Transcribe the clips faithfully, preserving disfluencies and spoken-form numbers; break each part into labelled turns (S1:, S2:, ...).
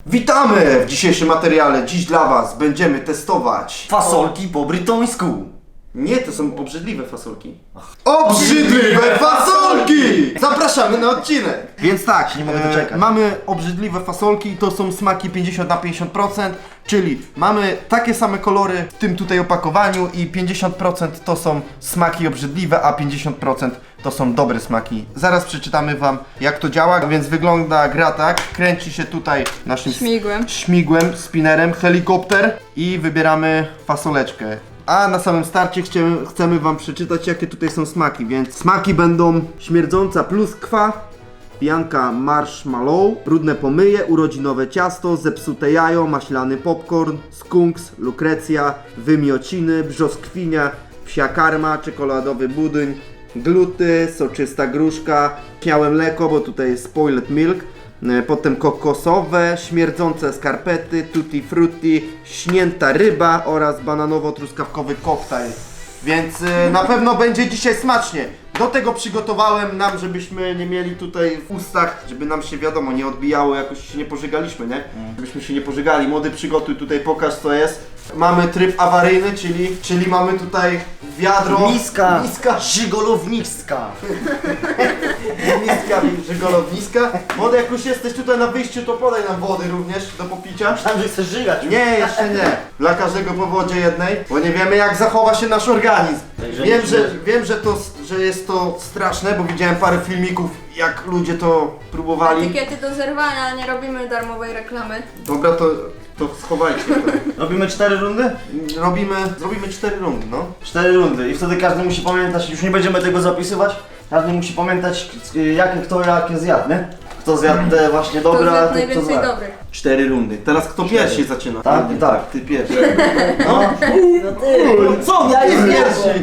S1: Witamy w dzisiejszym materiale. Dziś dla was będziemy testować
S2: Fasolki po brytońsku.
S1: Nie, to są obrzydliwe fasolki. Obrzydliwe fasolki! Zapraszamy na odcinek! Więc tak,
S2: Nie mogę doczekać.
S1: mamy obrzydliwe fasolki, to są smaki pięćdziesiąt na pięćdziesiąt procent, czyli mamy takie same kolory w tym tutaj opakowaniu i pięćdziesiąt procent to są smaki obrzydliwe, a pięćdziesiąt procent to są dobre smaki. Zaraz przeczytamy wam, jak to działa, więc wygląda gra tak, kręci się tutaj naszym
S3: Śmigłem.
S1: śmigłem, spinnerem, helikopter i wybieramy fasoleczkę. A na samym starcie chcemy, chcemy wam przeczytać, jakie tutaj są smaki, więc smaki będą śmierdząca pluskwa, pijanka marshmallow, brudne pomyje, urodzinowe ciasto, zepsute jajo, maślany popcorn, skunks, lukrecja, wymiociny, brzoskwina, psia karma, czekoladowy budyń, gluty, soczysta gruszka, śmiałe mleko, bo tutaj jest spoiled milk, potem kokosowe, śmierdzące skarpety, tutti frutti, śnięta ryba oraz bananowo-truskawkowy koktajl. Więc y, na pewno będzie dzisiaj smacznie. Do tego przygotowałem nam, żebyśmy nie mieli tutaj w ustach, żeby nam się wiadomo nie odbijało, jakoś się nie pożygaliśmy, nie? Żebyśmy się nie pożygali. Młody, przygotuj tutaj, pokaż co jest. Mamy tryb awaryjny, czyli, czyli mamy tutaj wiadro.
S2: Miska.
S1: Miska.
S2: Żygolownicka.
S1: Miska, żygolowniska. Młody, jak już jesteś tutaj na wyjściu, to podaj nam wody również do popicia.
S2: Myślałem, że chcesz żygać.
S1: Nie, jeszcze nie. Dla każdego po wodzie jednej, bo nie wiemy jak zachowa się nasz organizm.
S2: Także
S1: Wiem,
S2: nie-
S1: że, wiem że, to, że jest to straszne, bo widziałem parę filmików, jak ludzie to próbowali.
S3: Etykiety do zerwania, nie robimy darmowej reklamy.
S1: Dobra, to, to schowajcie to.
S2: Robimy cztery rundy?
S1: Robimy, zrobimy cztery rundy, no.
S2: Cztery rundy i wtedy każdy musi pamiętać, już nie będziemy tego zapisywać, każdy musi pamiętać jakie kto jakie zjadł, nie? Kto zjadł te właśnie
S3: To
S2: dobre, a
S3: zjadł
S2: ty kto
S3: najwięcej
S2: zjadł.
S3: dobrych.
S1: Cztery rundy. Teraz kto pierwszy zaczyna?
S2: Tak, i tak.
S1: Ty pierwszy.
S2: No. No ty. Co? Ja jest pierwszy.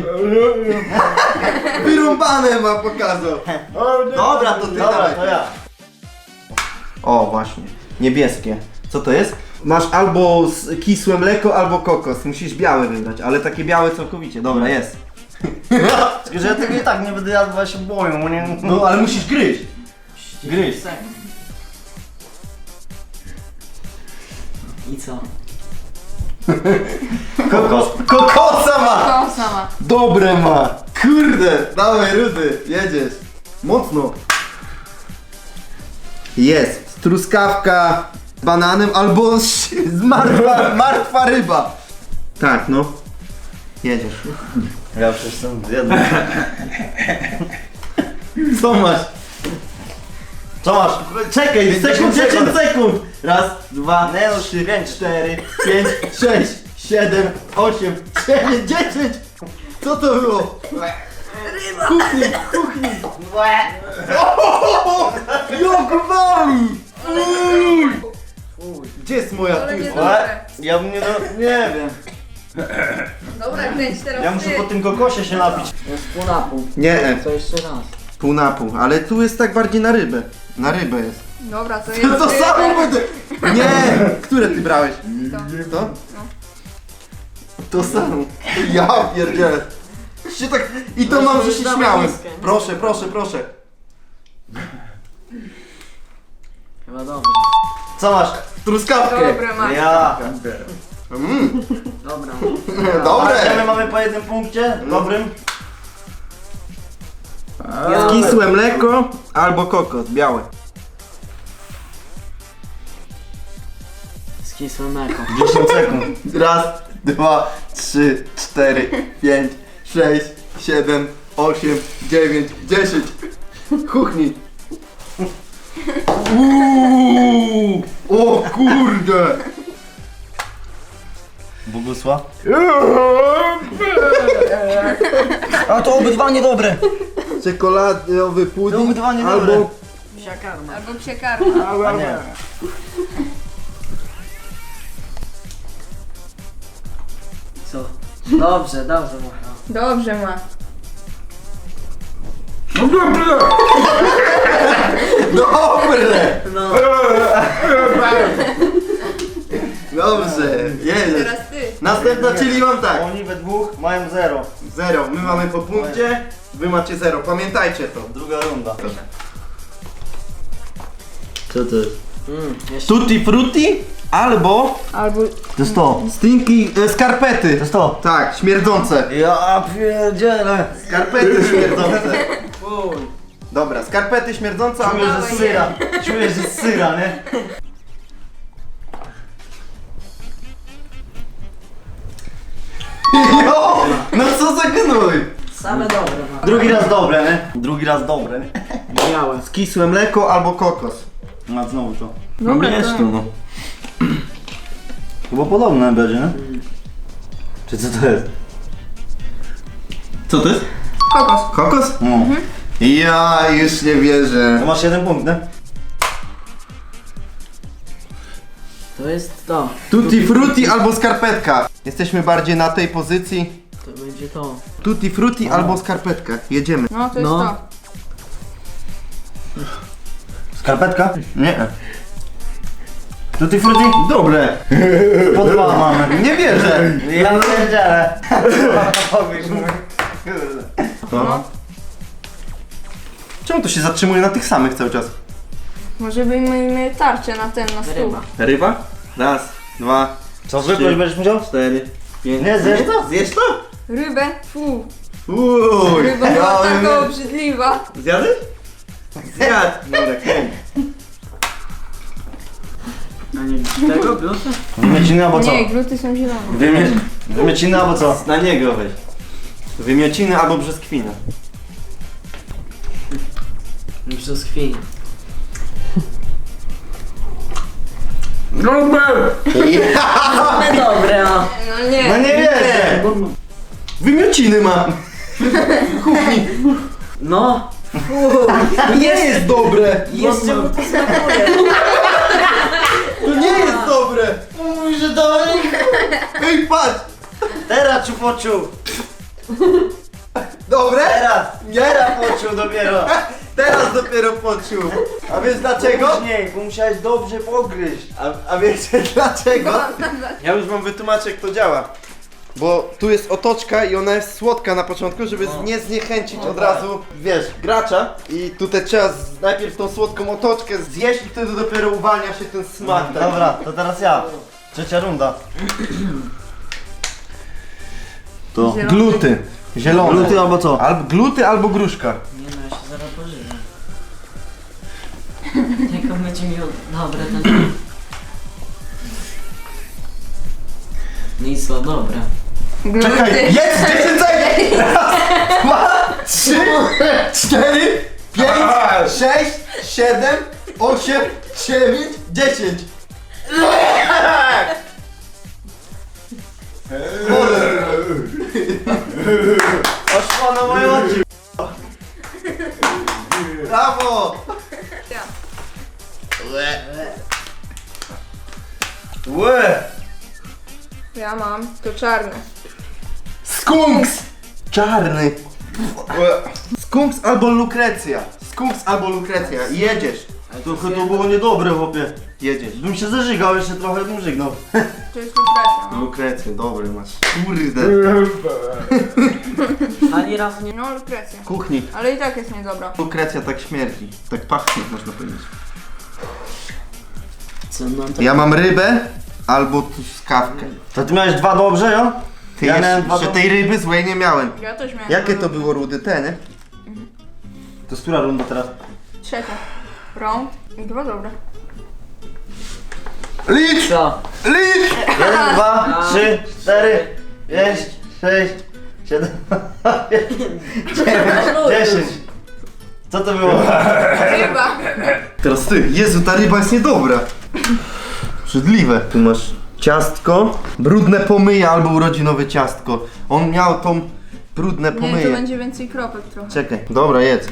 S1: Wyrąbane ma pokazał. Dobra, to ty
S2: Dobra,
S1: dawaj.
S2: to ja.
S1: O, właśnie. Niebieskie. Co to jest? Masz albo s- kisłe mleko, albo kokos. Musisz białe wybrać, ale takie białe całkowicie. Dobra, jest.
S2: Tylko, że ja tego i tak nie będę jadł, bo ja się boję, bo nie...
S1: No, ale musisz gryźć.
S2: Gryź.
S4: I co?
S1: Kokos. Kokosa ma!
S3: To sama.
S1: Dobre ma! Kurde! Dawaj, Rudy, jedziesz. Mocno. Jest. Truskawka z bananem albo z z martwa, martwa ryba. Tak, no. Jedziesz.
S2: Ja już jestem zjadł.
S1: Co masz?
S2: Co masz? Czekaj, sekund, dziesięć sekund!
S1: Raz, dwa,
S2: Nie no,
S1: trzy,
S2: pięć.
S1: cztery, pięć, sześć, siedem, osiem, dziewięć, dziesięć! Co to było? Kuchni, kuchni! Jak wali! Uj! Gdzie jest moja
S3: Ale nie
S1: tuza?
S3: dobre.
S2: Ja bym nie do... nie wiem.
S3: Dobra, kręć teraz
S2: Ja muszę
S3: ty.
S2: po tym kokosie się napić.
S4: Jest pół na pół.
S1: Nie,
S4: To jeszcze raz.
S1: pół na pół, ale tu jest tak bardziej na rybę. Na rybę jest.
S3: Dobra, to
S1: To,
S3: jest
S1: to samo będę! Nie! Które ty brałeś?
S3: To.
S1: To? To samo. Ja pierdzielę. Się tak... I to
S4: No,
S1: mam,
S4: to
S1: że
S4: już
S1: się
S4: dawaj
S1: śmiałem.
S4: miskę, miskę.
S1: Proszę, proszę, proszę.
S4: Chyba dobrze.
S2: Co masz?
S1: Truskawkę.
S3: Dobre masz.
S2: Ja.
S1: Mm,
S4: Dobra.
S1: dobre.
S2: A my mamy po jednym punkcie, dobrym.
S1: Jest kisłe mleko albo kokos, białe.
S4: Skisłe mleko.
S2: dziesięć sekund.
S1: Raz, dwa, trzy, cztery, pięć, sześć, siedem, osiem, dziewięć, dziesięć. Kuchni. Uuu, o kurde.
S2: Bogusław. A to obydwa niedobre.
S1: Czekoladowy
S2: To
S1: pudding
S2: obydwa niedobre.
S1: albo...
S4: Psia karma.
S3: Albo psie karma.
S2: A nie.
S4: Co? Dobrze, dobrze mówię.
S3: Dobrze ma.
S1: Dobre!
S4: No.
S1: Dobrze, jedziesz.
S3: Teraz ty.
S1: Następna, czyli mam tak.
S2: Oni we dwóch mają zero.
S1: Zero, my mamy po punkcie, wy macie zero. Pamiętajcie to.
S2: Druga runda.
S1: Co to jest?
S4: Mm, jeszcze.
S1: Tutti frutti albo
S3: Albo...
S2: To jest to.
S1: stinky e, skarpety.
S2: To jest to.
S1: Tak, śmierdzące.
S2: Ja pierdzielę.
S1: Skarpety śmierdzące.
S4: Fuj.
S1: Dobra, skarpety śmierdzące albo...
S2: Czuję, że
S3: Dawaj,
S2: z syra. Czuję, że z syra, nie?
S1: Jo! No co za gnój!
S4: Same dobre ma.
S2: Drugi raz dobre, nie? Drugi raz dobre, nie?
S4: Białe.
S1: Kisłe mleko albo kokos.
S2: No znowu to.
S3: Dobra,
S1: jest
S3: to-
S1: tu, no.
S2: Chyba podobne będzie, nie? Czy co to jest?
S1: Co to jest?
S3: Kokos.
S1: Kokos?
S2: No.
S1: Ja już nie wierzę.
S2: To masz jeden punkt, nie?
S4: To jest to.
S1: Tutti frutti albo skarpetka. Jesteśmy bardziej na tej pozycji.
S4: To będzie to.
S1: Tutti frutti albo skarpetka. Jedziemy.
S3: No to jest
S4: No.
S3: to.
S2: Skarpetka? Nie. Tutti frutti?
S1: Dobre.
S2: Po dwa mamy.
S1: Nie wierzę.
S2: Ja pierdzielę. Powiesz mu. Kurde.
S3: No.
S1: Czemu to się zatrzymuje na tych samych cały czas?
S3: Może byśmy tarczę na ten, na stół.
S4: Ryba.
S1: Ryba? Raz, dwa,
S2: Co, wypluć będziesz musiał?
S1: cztery, pięć.
S2: Nie, zjesz to?
S1: Zjesz to?
S3: Rybę? Fu.
S1: Uuu.
S3: Ryba była taka obrzydliwa.
S1: Zjadłeś? Zjadł. Dobra, kręć.
S4: A nie tego blusa?
S2: Wymiociny albo co?
S3: Nie, gluty są zielone.
S2: Wymie... Wymiociny albo co?
S1: Na niego weź. Wymiociny albo brzoskwina.
S4: Brzoskwini. Same dobre, no.
S3: No nie.
S2: No nie wierzę!
S1: Wymiociny mam. Kuchni.
S4: No.
S1: To nie jest dobre.
S4: Jeszcze mu to smakuje.
S1: To nie jest dobre.
S2: Mówi, że to...
S1: Ej, patrz.
S2: Teraz czu poczuł!
S1: Dobre?
S2: Teraz!
S1: Nie.
S2: Teraz poczuł dopiero!
S1: Teraz dopiero poczuł. A wiesz dlaczego?
S2: Później, bo musiałeś dobrze pogryźć.
S1: A, a wiecie dlaczego? Ja już wam wytłumaczę jak to działa. Bo tu jest otoczka i ona jest słodka na początku, żeby
S4: No.
S1: nie zniechęcić
S2: No
S1: od
S2: tak.
S1: razu, wiesz, gracza. I tutaj trzeba z, najpierw tą słodką otoczkę zjeść i wtedy dopiero uwalnia się ten smak. taki.
S2: Dobra, to teraz ja. Trzecia runda. To.
S3: Zielony.
S1: Gluty. Zielone.
S2: Gluty albo co?
S1: Albo gluty albo gruszka.
S4: Nie no, ja się zaraz pożywę. Jak on będzie miał... Dobre ten... Nic, no dobra.
S3: Gluty.
S1: Czekaj, jest dziesięć sekund! Raz, dwa, trzy, cztery, pięć, sześć, siedem, osiem, dziewięć, dziesięć.
S2: Poszła na moje oczy.
S1: Brawo!
S3: Ja.
S2: Łe!
S3: Ja mam to czarne.
S1: Skunks! Czarny. Skunks albo lukrecja. Skunks albo lukrecja. Jedziesz.
S2: To chyba było niedobre, chłopie.
S1: Jedziesz.
S2: Bym się zażygał, jeszcze trochę bym żygnął.
S3: To jest lukrecja, no.
S1: Lukrecję, dobry masz. Kurde.
S4: Ani razu nie...
S3: No lukrecja.
S1: Kuchni.
S3: Ale i tak jest niedobra.
S1: Lukrecja tak śmierdzi. Tak pachnie, można powiedzieć.
S4: Co, no to...
S1: Ja mam rybę albo truskawkę.
S2: To ty miałeś dwa dobrze, jo?
S1: Ty
S2: Ja miałem
S1: jeszcze,
S2: dwa
S1: jeszcze
S2: do-
S1: tej ryby złej nie miałem.
S3: Ja też miałem.
S1: Jakie
S3: dwa
S1: to
S3: dobre.
S1: było rudy? Te, nie?
S2: To jest która runda teraz?
S3: Trzecia. Round i dwa dobre.
S1: Licz!
S4: Co?
S1: Licz!
S2: Jeden, dwa, trzy, cztery, pięć, sześć, siedem, dziewięć, dziesięć. Co to było?
S3: Ryba.
S1: Teraz ty. Jezu, ta ryba jest niedobra. Brzydliwe. Tu masz ciastko, brudne pomyje albo urodzinowe ciastko. On miał tą brudne
S3: Nie, to
S1: pomyje.
S3: będzie więcej kropek trochę.
S1: Czekaj, dobra, jedz.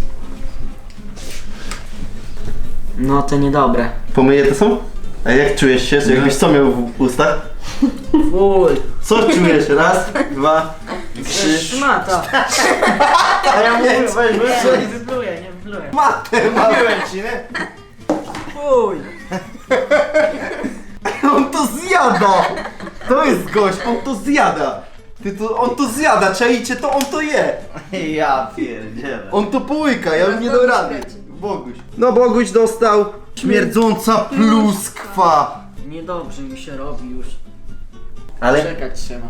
S4: No to niedobre.
S1: Pomyje to są? A jak czujesz się? Jakbyś co miał w ustach?
S4: Fuj.
S1: Co czujesz? Raz, dwa, trzy.
S4: Szmata.
S2: A ja mówię, weź,
S4: Nie,
S2: weź,
S4: nie wypluję, nie wypluję.
S1: Matę ma.
S2: mówiłem ci, nie?
S4: Fuj.
S1: On to zjada! To jest gość, on to zjada. Ty to, on to zjada, czajcie to, on to je.
S2: Ja pierdzielę.
S1: On to połyka, ja bym nie dał
S3: Boguś
S1: rady.
S3: leci.
S1: Boguś. No Boguś dostał Śmierdząca pluskwa.
S4: Niedobrze mi się robi już.
S1: Ale
S4: Czekać trzeba.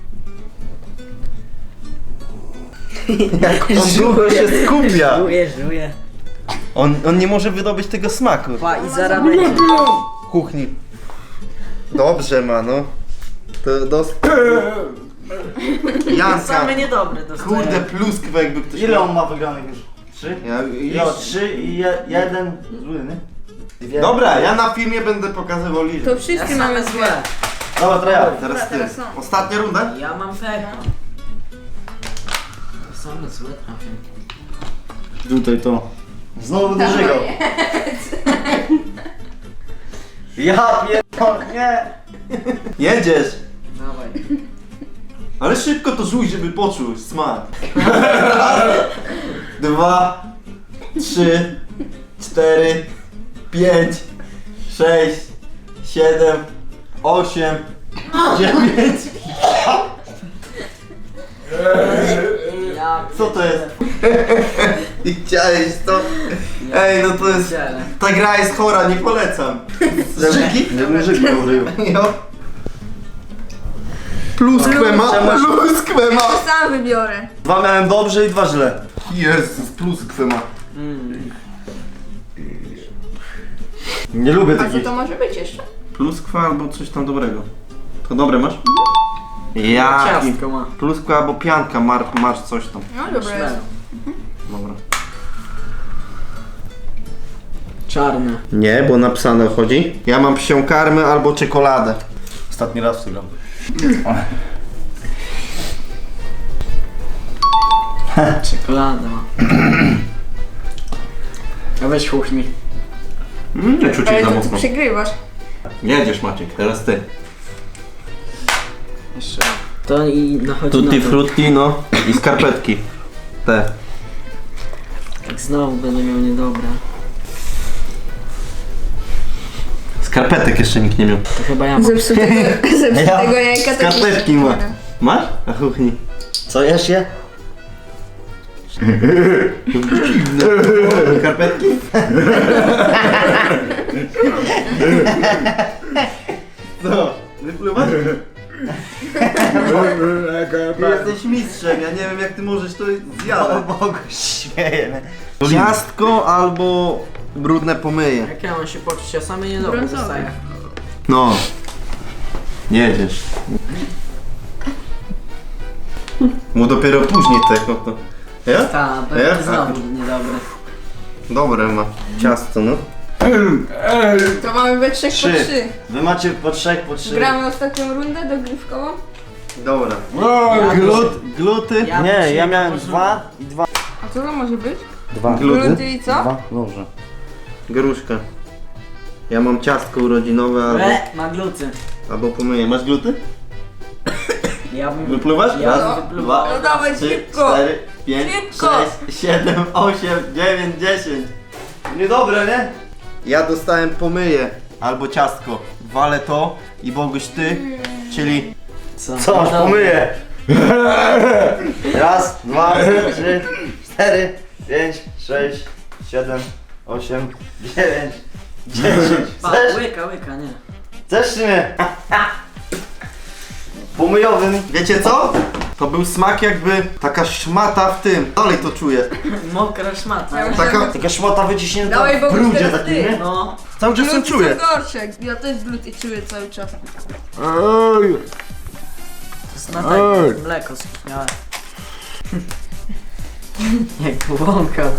S1: jak on długo się skupia.
S4: Żuję, żuję.
S1: On, on nie może wydobyć tego smaku.
S4: Pa i zaraz będzie.
S1: Kuchni. Dobrze ma, no. To dos... Janka.
S4: Same niedobre dostaję.
S1: Kurde, pluskwę jakby ktoś...
S2: Ile on ma wygranych już? Trzy?
S1: Ja,
S2: Jo, trzy i je, jeden zły, nie? Dwie.
S1: Dobra, ja na filmie będę pokazywał liczbę.
S3: To
S4: Ja
S3: wszyscy
S4: same
S3: mamy
S4: złe.
S3: złe.
S2: Dobra, to ja.
S1: Teraz ty.
S3: Teraz są.
S1: Ostatnia runda?
S4: Ja mam pecha. To same złe trafię.
S2: Tutaj to. Znowu będę żygał. Ja pierdolę, nie.
S1: Jedziesz.
S4: Dawaj.
S1: Ale szybko to żuj, żeby poczuł smak. Dwa, trzy, cztery, pięć, sześć, siedem, osiem, dziewięć.
S4: Ja
S1: Co to jest? I chciałeś to? Ej, no to jest...
S4: pierdzielę.
S1: Ta gra jest chora, nie polecam. Żygi?
S2: Żebym żygał rył.
S1: Jo. Pluskwę ma, pluskwę ma.
S3: To sam wybiorę.
S2: Dwa miałem dobrze i dwa źle.
S1: Jezus, pluskwę ma.
S4: Mm.
S2: Nie lubię
S3: A co
S2: takich.
S3: to może być jeszcze?
S1: Pluskwa albo coś tam dobrego. To dobre masz? Ja.
S4: Ciastko ma.
S1: Pluskwa albo pianka, mar, masz coś tam.
S3: No dobra jest.
S4: Szmel.
S1: Dobra.
S4: Czarne.
S1: Nie, bo napisane chodzi. Ja mam psią karmę albo czekoladę.
S2: Ostatni raz w to gram.
S4: Czekolada ma. A weź kuchni.
S1: Mm, nie czuć
S3: Ale
S1: za
S3: to ty
S1: mocno.
S3: przegrywasz.
S1: Jedziesz Maciek, teraz ty.
S4: Jeszcze. To i nachodzi
S1: Tutti
S4: na to.
S1: frutti, no. I skarpetki. Te.
S4: Tak znowu będę miał niedobre.
S1: Skarpetek jeszcze nikt nie miał.
S4: To chyba ja mam.
S3: Zepsutego, zepsutego jajka to
S1: Skarpetki ma. Masz? A kuchni.
S2: Co jesz je?
S1: Skarpetki? Co? Wypluwasz? Ty jesteś mistrzem, ja nie wiem jak ty możesz to zjadać.
S2: Bogu śmieję.
S1: Ciastko albo brudne pomyje.
S4: Jak ja mam się poczuć? Ja same niedobre
S3: Brązowe.
S4: dostaję.
S1: No. Jedziesz. Mu dopiero później tego to. Ja?
S4: Ta, to
S1: Ja?
S4: jest znowu niedobre.
S1: Dobre ma. Ciasto, no.
S3: To mamy we trzech
S2: Trzy.
S3: po trzy.
S2: Wy macie po trzech, po trzy.
S3: Gramy ostatnią rundę dogrywkową.
S1: Dobra.
S4: Ja
S1: Glut, gluty.
S4: Ja
S2: Nie,
S4: trzy
S2: ja miałem
S4: położyłem.
S2: dwa i dwa.
S3: A co to może być?
S2: Dwa.
S1: Gluty.
S3: Gluty i co?
S2: Dwa? Dobrze.
S1: Gruszka. Ja mam ciastko urodzinowe albo,
S4: E, ma gluty.
S1: albo pomyję. Masz gluty?
S4: Ja bym...
S1: Wypluwasz?
S4: Ja
S1: Raz,
S4: bym wypluwał.
S1: dwa,
S3: No dawaj,
S1: trzy,
S3: szybko.
S1: cztery, pięć,
S3: Szybko.
S1: sześć, siedem, osiem, dziewięć, dziesięć.
S2: Niedobre, nie?
S1: Ja dostałem pomyję albo ciastko. Walę to i Boguś ty, czyli
S4: Co?
S2: Co, aż
S4: Dobra.
S2: pomyję. Raz, dwa, trzy, cztery, pięć, sześć, siedem, osiem, dziewięć, dziesięć.
S4: Pa,
S2: Chcesz?
S4: łyka, łyka, nie.
S2: Chcesz czy nie? Pomyjowym.
S1: wiecie co? To był smak jakby taka szmata w tym. Dalej to czuję.
S4: Mokra szmata.
S3: Ja
S1: Taka
S2: Taka szmata wyciśnięta
S3: Dawaj,
S2: w
S3: Boguś,
S2: brudzie
S3: teraz
S2: takim,
S3: ty.
S2: nie?
S4: No.
S1: cały czas ją
S3: Gluty
S1: czuję.
S3: są gorsze. Ja też gluty czuję cały czas.
S4: To jest na tak mleko skipniałe. Jak łąkał.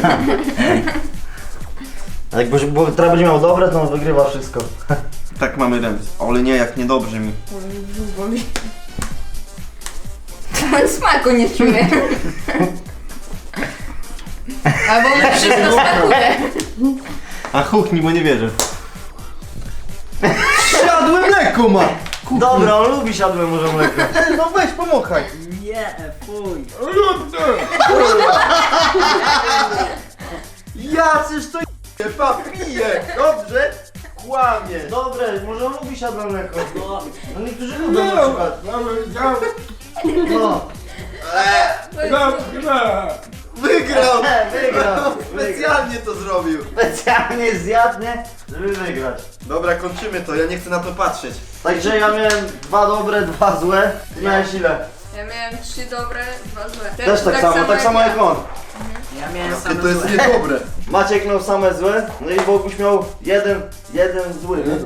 S2: A jak bo, bo teraz będzie miał dobre, to on wygrywa wszystko.
S1: Tak mamy remis. Ale nie, jak niedobrze mi.
S3: Boli. To smaku nie czuję. Albo mi wszystko smakuje.
S1: A chuchni, bo nie wierzę. Siadłe mleko ma!
S2: Dobra, on lubi siadłe może mleko.
S1: No weź, pomachaj.
S4: Nie, fuj.
S1: Ja czyż to je, papiję, dobrze? Kłamie.
S2: Dobre, może on lubi siadłe mleko.
S4: No.
S2: No niektórzy lubią na przykład. No.
S3: To jest
S1: Wygrał!
S2: Wygrał!
S1: Specjalnie to zrobił.
S2: Specjalnie zjadł, nie? Żeby wygrać.
S1: Dobra, kończymy to, ja nie chcę na to patrzeć.
S2: Także ja miałem dwa dobre, dwa złe. Ty miałeś ile?
S3: Ja miałem trzy dobre, dwa złe.
S2: Też tak samo, tak samo jak on.
S4: Ja miałem
S1: Jakie
S4: same
S1: to jest
S4: złe.
S1: niedobre.
S2: Maciek miał same złe, no i Boguś miał jeden, jeden zły, nie?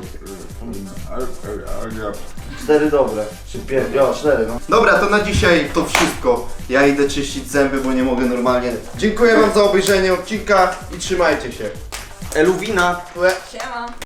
S2: Cztery dobre. Czy pięć, jo, cztery no.
S1: Dobra, to na dzisiaj to wszystko. Ja idę czyścić zęby, bo nie mogę normalnie. Dziękuję wam za obejrzenie odcinka i trzymajcie się. Eluwina.
S3: Siema.